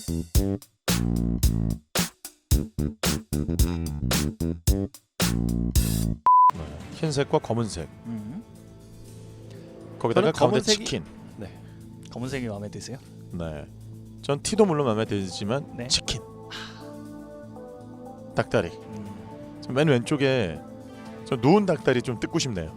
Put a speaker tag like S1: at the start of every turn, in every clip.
S1: 흰색과 검은색. 거기다가 가운데
S2: 검은색이...
S1: 치킨.
S2: 네. 검은색이 마음에 드세요?
S1: 네. 전 티도 물론 마음에 들지만
S2: 네.
S1: 치킨. 닭다리. 맨 왼쪽에 저 누운 닭다리 좀 뜯고 싶네요.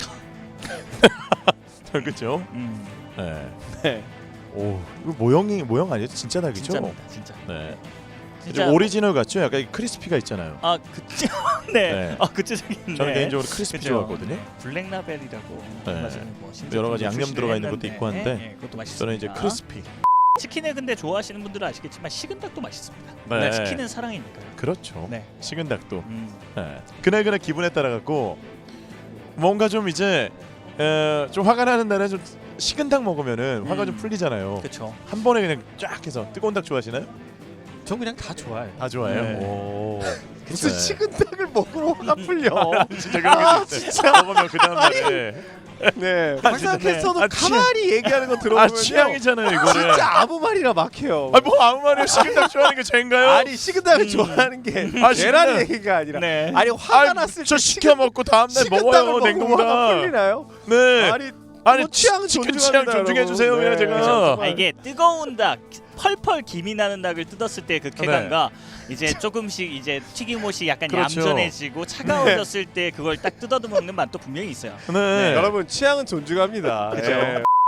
S1: 그렇죠? 네.
S2: 네.
S1: 오, 이거 모형 아니에요? 진짜 닭이죠?
S2: 진짜입니다. 진짜.
S1: 네.
S2: 진짜
S1: 오리지널 같죠? 약간 크리스피가 있잖아요.
S2: 아, 그쵸. 네.
S1: 네.
S2: 아, 그쪽인데.
S1: 저는 개인적으로 크리스피
S2: 그쵸.
S1: 좋아하거든요.
S2: 블랙라벨이라고
S1: 네.
S2: 맞아요. 뭐
S1: 여러 가지 양념 들어가 있는 것도
S2: 출시를
S1: 있고 한데
S2: 했는데, 그것도 맛있습니다.
S1: 저는 이제 크리스피.
S2: 치킨을 근데 좋아하시는 분들은 아시겠지만 식은 닭도 맛있습니다.
S1: 네.
S2: 치킨은 사랑이니까요.
S1: 그렇죠.
S2: 네.
S1: 식은 닭도. 네. 그날 기분에 따라 갖고 뭔가 좀 이제 좀 화가 나는 날에 좀 식은 닭 먹으면은 화가 좀 풀리잖아요.
S2: 그렇죠.
S1: 한 번에 그냥 쫙 해서 뜨거운 닭 좋아하시나요?
S3: 전 그냥 다 좋아해요.
S1: 다 좋아해요.
S2: 네.
S1: 오.
S3: 무슨
S1: 네.
S3: 식은 닭을 먹으러 화가 풀려.
S1: 진짜 그런 게 있어요. 먹으면 그 다음 날에
S3: 네.
S1: 아,
S3: 항상
S1: 진짜,
S3: 캐스터도
S1: 아,
S3: 가만히 얘기하는 거 들어보면요.
S1: 취향이잖아요 이거는.
S3: 진짜 아무 말이나 막혀요.
S1: 뭐 아무 말이요. 식은 닭 좋아하는 게 죄인가요?
S3: 아니 식은 닭을 좋아하는 게
S1: 아,
S3: 계란
S1: 식은
S3: 얘기가 아니라
S2: 네.
S3: 아니 화가 났을
S1: 저
S3: 때
S1: 시켜 먹고 다음 날
S3: 식은
S1: 먹어요
S3: 닭을 먹으면 화가
S1: 냉동닭.
S3: 풀리나요?
S1: 네.
S3: 아니 뭐 취향
S1: 치킨
S3: 존중합니다,
S1: 취향 존중해 주세요.
S3: 여러분.
S1: 그냥
S3: 네.
S1: 제가.
S3: 그렇죠.
S2: 아, 이게 뜨거운 닭, 펄펄 김이 나는 닭을 뜯었을 때 그 쾌감과 이제 조금씩 이제 튀김옷이 약간
S1: 그렇죠.
S2: 얌전해지고 차가워졌을 때 그걸 딱 뜯어도 먹는 맛도 분명히 있어요.
S1: 네.
S3: 여러분 취향은 존중합니다.
S1: 그죠.
S3: 네.